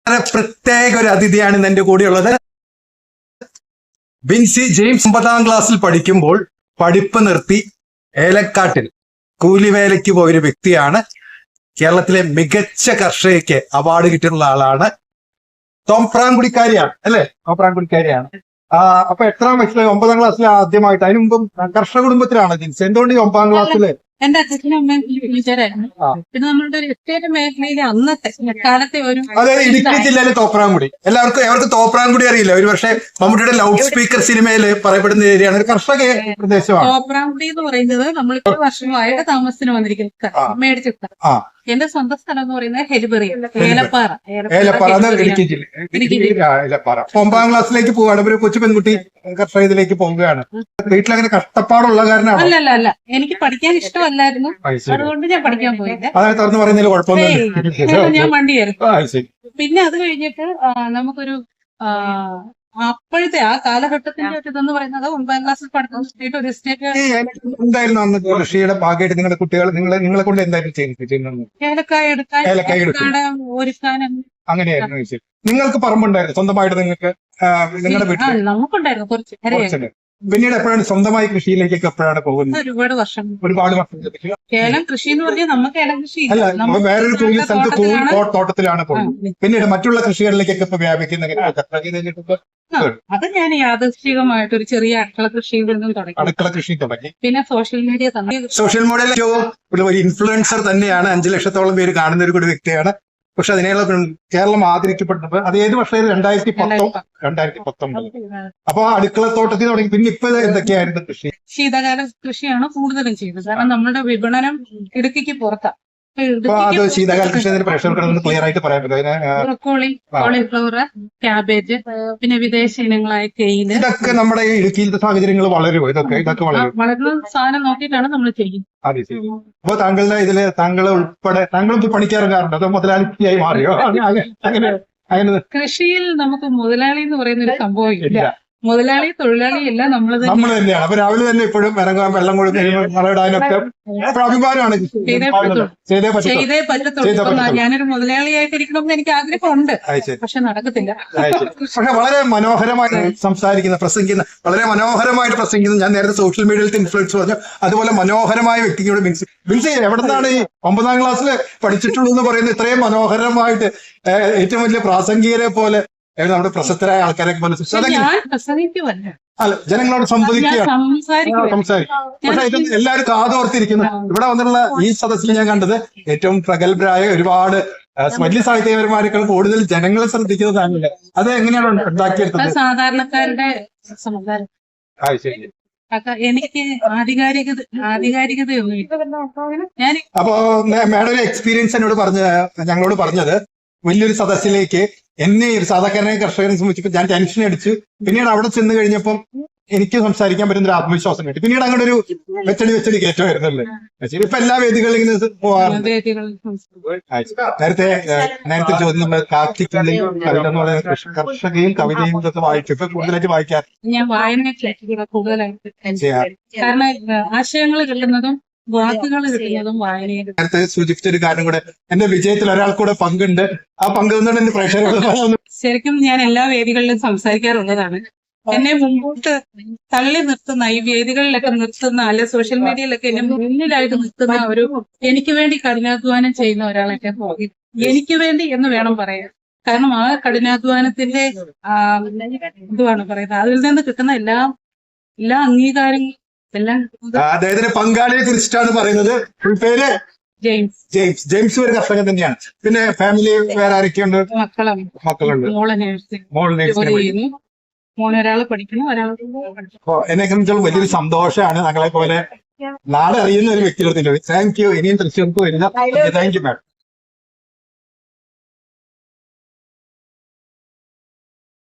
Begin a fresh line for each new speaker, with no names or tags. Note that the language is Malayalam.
പ്രത്യേക ഒരു അതിഥിയാണ് ഇന്ന് എന്റെ കൂടെയുള്ളത്. ബിൻസി ജെയിംസ് 9ാം ക്ലാസ്സിൽ പഠിക്കുമ്പോൾ പഠിപ്പ് നിർത്തി ഏലക്കാട്ടിൽ കൂലിവേലയ്ക്ക് പോയൊരു വ്യക്തിയാണ്. കേരളത്തിലെ മികച്ച കർഷകയ്ക്ക് അവാർഡ് കിട്ടിയിട്ടുള്ള ആളാണ്. തോപ്രാംകുടിക്കാരിയാണ് അല്ലെ? തോപ്രാംകുടിക്കാരിയാണ്. അപ്പൊ എത്രാം വയസ്സിൽ? 9ാം ക്ലാസ്സിൽ ആദ്യമായിട്ട്. അതിനു മുമ്പ് കർഷക കുടുംബത്തിലാണ് ജിൻസ്. എന്തുകൊണ്ട് 9ാം ക്ലാസ്സില്?
എന്റെ അച്ഛനും അമ്മയും ടീച്ചറായിരുന്നു. പിന്നെ നമ്മളുടെ ഒരു എസ്റ്റേറ്റ് മേഖലയിലെ അന്നത്തെ കാലത്തെ ഒരു
അതായത് ഇടുക്കി ജില്ലയിലെ തോപ്രാംകുടി. എല്ലാവർക്കും തോപ്രാംകുടി അറിയില്ല. ഒരു പക്ഷേ മമ്മൂട്ടിയുടെ ലൗഡ് സ്പീക്കർ സിനിമയിൽ പറയപ്പെടുന്ന ഏരിയയാണ്. ഒരു കർഷക പ്രദേശമാണ്
തോപ്രാംകുടി എന്ന് പറയുന്നത്. നമ്മളിപ്പോ വർഷമായിട്ട് താമസത്തിന് വന്നിരിക്കുന്നത് മേടിച്ച സ്ഥലം. എന്റെ സ്വന്തം സ്ഥലം എന്ന് പറയുന്നത് ഹെലിബറി, ഏലപ്പാറ.
ഇടുക്കി ജില്ല ഏലപ്പാറ. 9ാം ക്ലാസ്സിലേക്ക് പോവുകയാണ്. ഒരു കൊച്ചു പെൺകുട്ടി കർഷക ഇതിലേക്ക് പോവുകയാണ്. വീട്ടിലങ്ങനെ കഷ്ടപ്പാടുള്ള കാരണമാണ്?
അല്ല, എനിക്ക് പഠിക്കാൻ ഇഷ്ടമല്ലായിരുന്നു. അതുകൊണ്ട് ഞാൻ പഠിക്കാൻ പോയില്ല.
അതായത് തുറന്നു പറയുന്നതിൽ കുഴപ്പമൊന്നുമില്ല.
ഞാൻ വണ്ടിയായിരുന്നു. പിന്നെ അത് കഴിഞ്ഞിട്ട് നമുക്കൊരു അപ്പോഴത്തെ ആ കാലഘട്ടത്തിന്റെ ഒരു ഇതെന്ന് പറയുന്നത് 9ാം ക്ലാസ്സിൽ പഠിക്കുന്ന ഒരു സ്റ്റേറ്റ്
എന്തായിരുന്നു അന്ന് കൃഷിയുടെ ഭാഗമായിട്ട് നിങ്ങളുടെ കുട്ടികൾ നിങ്ങളെ കൊണ്ട് എന്തായിരുന്നു ചെയ്യുന്നത്?
ഏലക്കായ എടുക്കാൻ, ഒരുക്കാനും.
അങ്ങനെയായിരുന്നു. നിങ്ങൾക്ക് പറമ്പുണ്ടായിരുന്നു സ്വന്തമായിട്ട്? നിങ്ങൾക്ക് നിങ്ങളുടെ വീട്ടിൽ
നമുക്കുണ്ടായിരുന്നു കുറച്ച്.
പിന്നീട് എപ്പോഴാണ് സ്വന്തമായി കൃഷിയിലേക്കൊക്കെ എപ്പോഴാണ് പോകുന്നത്?
ഒരുപാട് വർഷം.
ഏലം
കൃഷി എന്ന് പറഞ്ഞാൽ നമുക്ക് ഏലം കൃഷി
അല്ല, വേറൊരു സ്ഥലത്ത് തോട്ടത്തിലാണ് പോകുന്നത്. പിന്നീട് മറ്റുള്ള കൃഷികളിലേക്കൊക്കെ ഇപ്പൊ വ്യാപിക്കുന്ന
അത് ഞാൻ യാദൃശ്ചികമായിട്ട് ഒരു ചെറിയ അടുക്കള കൃഷിയിൽ നിന്നും തുടങ്ങി.
അടുക്കള കൃഷി തുടങ്ങി.
പിന്നെ സോഷ്യൽ മീഡിയ തന്നെ.
സോഷ്യൽ മീഡിയയിൽ ഒരു ഇൻഫ്ലുവൻസർ തന്നെയാണ്. 5 ലക്ഷത്തോളം പേര് കാണുന്ന ഒരു കൂടി വ്യക്തിയാണ്. പക്ഷെ അതിനുള്ള കേരളം ആദരിക്കപ്പെട്ടത് അത് ഏത് വർഷം? 2019. അപ്പൊ അടുക്കള തോട്ടത്തിൽ തുടങ്ങി. പിന്നെ ഇപ്പൊ എന്തൊക്കെയായിരുന്നു കൃഷി?
ശീതകാല കൃഷിയാണ് കൂടുതലും ചെയ്യുന്നത്. കാരണം നമ്മുടെ വിപണനം ഇടുക്കിക്ക് പുറത്താണ്.
അത് ശീതകാല കൃഷി പ്രേക്ഷകർക്ക് ക്ലിയർ ആയിട്ട് പറയാൻ പറ്റും.
ബ്രൊക്കോളി, കോളിഫ്ലവർ, ക്യാബേജ്, പിന്നെ വിദേശ ഇനങ്ങളായ തേയില.
ഇതൊക്കെ നമ്മുടെ ഈ ഇടുക്കിയിലത്തെ സാഹചര്യങ്ങൾ വളരുമോ? ഇതൊക്കെ
വളരുന്ന സാധനം നോക്കിയിട്ടാണ് നമ്മൾ ചെയ്യുന്നത്.
അതെ ശരി. അപ്പൊ താങ്കളുടെ ഇതില് താങ്കൾ ഉൾപ്പെടെ താങ്കളും പണിക്കിറങ്ങാറുണ്ടോ? അതോ മുതലാളിയായി മാറിയോ? അങ്ങനെ
കൃഷിയിൽ നമുക്ക് മുതലാളി എന്ന് പറയുന്ന ഒരു സംഭവം ഇല്ല. മുതലാളി തൊഴിലാളി എല്ലാം നമ്മൾ
തന്നെയാണ്. അപ്പൊ രാവിലെ തന്നെ ഇപ്പോഴും ഇറങ്ങാൻ, വെള്ളം കൊടുക്കാനും വളമിടാനൊക്കെ അഭിമാനമാണ്.
ചെയ്തേ പറ്റത്തുള്ളൂ. ഞാനൊരു മുതലാളിയായിട്ടിരിക്കണമെന്ന് എനിക്ക് ആഗ്രഹമുണ്ട്. പക്ഷെ നടക്കത്തില്ല.
പക്ഷെ വളരെ മനോഹരമായി പ്രസംഗിക്കുന്ന വളരെ മനോഹരമായിട്ട് പ്രസംഗിക്കുന്ന, ഞാൻ നേരത്തെ സോഷ്യൽ മീഡിയയിലത്തെ ഇൻഫ്ലുവൻസ് പറഞ്ഞു, അതുപോലെ മനോഹരമായ വ്യക്തിയോട് ബിൻസി എവിടെ നിന്നാണ് ഈ 9ാം ക്ലാസ്സിൽ പഠിച്ചിട്ടുള്ളൂ എന്ന് പറയുന്നത്? ഇത്രയും മനോഹരമായിട്ട് ഏറ്റവും വലിയ പ്രാസംഗികരെ പോലെ നമ്മുടെ പ്രശസ്തരായ ആൾക്കാരെ പോലെ അല്ല, ജനങ്ങളോട് സംസാരിക്കും. പക്ഷെ ഇത് എല്ലാവരും കാതോർത്തിരിക്കുന്നു. ഇവിടെ വന്നിട്ടുള്ള ഈ സദസ്സിൽ ഞാൻ കണ്ടത് ഏറ്റവും പ്രഗത്ഭരായ ഒരുപാട് വലിയ സാഹിത്യകാരന്മാരെക്കാൾ കൂടുതൽ ജനങ്ങളെ ശ്രദ്ധിക്കുന്നതാണ്. അത് എങ്ങനെയാണ് ഉണ്ടാക്കിയെടുത്തത്?
സാധാരണക്കാരുടെ എനിക്ക് ആധികാരികതയൊന്നും.
അപ്പോ മാഡം ഒരു എക്സ്പീരിയൻസ് ഞങ്ങളോട് പറഞ്ഞത്, വലിയൊരു സദസ്സിലേക്ക് എന്നെ ഒരു സാധാരണ കർഷകനെ സംബന്ധിച്ചപ്പോൾ ഞാൻ ടെൻഷൻ അടിച്ചു. പിന്നീട് അവിടെ ചെന്ന് കഴിഞ്ഞപ്പം എനിക്ക് സംസാരിക്കാൻ പറ്റുന്ന ഒരു ആത്മവിശ്വാസം കിട്ടി. പിന്നീട് അങ്ങനെ ഒരു വെച്ചടി കയറ്റമായിരുന്നല്ലേ? ഇപ്പൊ എല്ലാ വേദികളിലും ഇങ്ങനെ പോകാറുണ്ട്. നേരത്തെ ചോദ്യം നമ്മൾ കാർത്തികയും കവിത എന്ന് പറയുന്ന കർഷകയും കവിതയും ഇതൊക്കെ വായിച്ചു. ഇപ്പൊ കൂടുതലായിട്ട് വായിക്കാൻ
ഞാൻ വായന കൂടുതലായിട്ട്, കാരണം ആശയങ്ങൾ കിട്ടുന്നതും വാക്കുകൾ കിട്ടുന്നതും വായനയിൽ.
നേരത്തെ സൂചിപ്പിച്ച ഒരു കാര്യം കൂടെ, എന്റെ വിജയത്തിൽ ഒരാൾ കൂടെ പങ്കുണ്ട്. ആ പങ്കുകൊണ്ട് എന്റെ പ്രേക്ഷകർ
ശരിക്കും ഞാൻ എല്ലാ വേദികളിലും സംസാരിക്കാറുള്ളതാണ്. എന്നെ മുമ്പോട്ട് തള്ളി നിർത്തുന്ന, ഈ വേദികളിലൊക്കെ നിർത്തുന്ന, അല്ലെ സോഷ്യൽ മീഡിയയിലൊക്കെ എന്നെ മുന്നിലായിട്ട് നിർത്തുന്ന ഒരു, എനിക്ക് വേണ്ടി കഠിനാധ്വാനം ചെയ്യുന്ന ഒരാളൊക്കെ പോയി, എനിക്ക് വേണ്ടി എന്ന് വേണം പറയാൻ. കാരണം ആ കഠിനാധ്വാനത്തിന്റെ എന്തുവാണ് പറയുന്നത്, അതിൽ നിന്ന് കിട്ടുന്ന എല്ലാ അംഗീകാരങ്ങളും
അദ്ദേഹത്തിന്റെ പങ്കാളിയെ കുറിച്ചിട്ടാണ് പറയുന്നത്. പേര് ജെയിംസ് ഒരു കർഷകൻ തന്നെയാണ്. പിന്നെ ഫാമിലി വേറെ ആരൊക്കെയുണ്ട്? മക്കളുണ്ട്.
ഒരാള് പഠിക്കണം, ഒരാൾ.
എന്നെ സംബന്ധിച്ചോളം വലിയൊരു സന്തോഷമാണ് ഞങ്ങളെ പോലെ നാളെ അറിയുന്ന ഒരു വ്യക്തിയുടെ. Thank you. ഇനിയും തൃശ്ശൂർക്ക് വരുന്ന. Thank you madam.